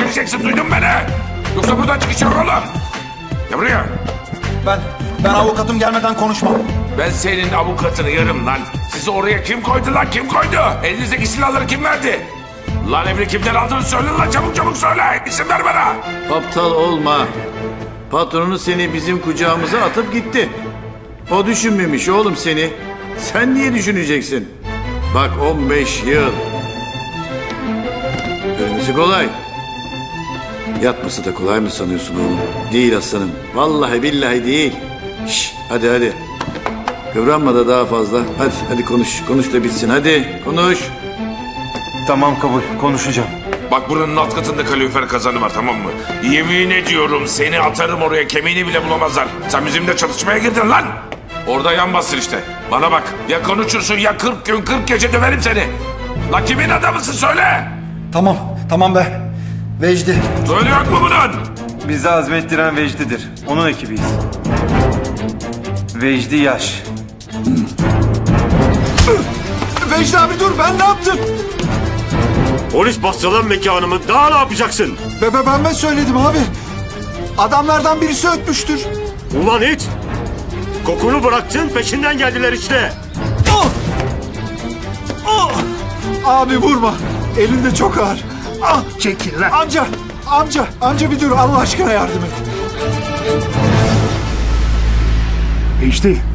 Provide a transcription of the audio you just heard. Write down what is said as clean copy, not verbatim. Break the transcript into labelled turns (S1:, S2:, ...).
S1: vereceksin, duydun mu beni? Yoksa buradan çıkış yok oğlum. Gel buraya.
S2: Ben avukatım gelmeden konuşmam.
S1: Ben senin avukatını yarım lan. Sizi oraya kim koydu lan, kim koydu? Elinizdeki silahları kim verdi? Lan emri kimden aldığını söyle lan, çabuk çabuk söyle. İsim ver bana.
S3: Aptal olma. Patronu seni bizim kucağımıza atıp gitti. O düşünmemiş oğlum seni. Sen niye düşüneceksin? Bak 15 yıl. Ölmesi kolay. Yatması da kolay mı sanıyorsun oğlum? Değil aslanım. Vallahi billahi değil. Şş, hadi. Kıvranma da daha fazla. Hadi konuş. Konuş da bitsin. Hadi konuş.
S4: Tamam, kabul. Konuşacağım.
S1: Bak buranın alt katında kalorifer kazanı var, tamam mı? Yemin ediyorum seni atarım oraya, kemiğini bile bulamazlar. Sen bizimle çalışmaya girdin lan. Orada yan bastır işte. Bana bak, ya konuşursun ya 40 gün 40 gece döverim seni. La kimin adamısın söyle.
S2: Tamam be. Vecdi.
S1: Söyle yok mu bunun?
S4: Bizi azmettiren Vecdi'dir. Onun ekibiyiz. Vecdi Yaş.
S2: Vecdi abi dur, ben ne yaptım?
S5: Polis bastı lan mekanımı. Daha ne yapacaksın?
S2: Ben söyledim abi. Adamlardan birisi ötmüştür.
S5: Ulan hiç. Kokunu bıraktın, peşinden geldiler işte.
S2: Abi vurma. Elinde çok ağır.
S6: Çekil lan.
S2: Amca bir dur, Allah aşkına yardım et.
S6: İşte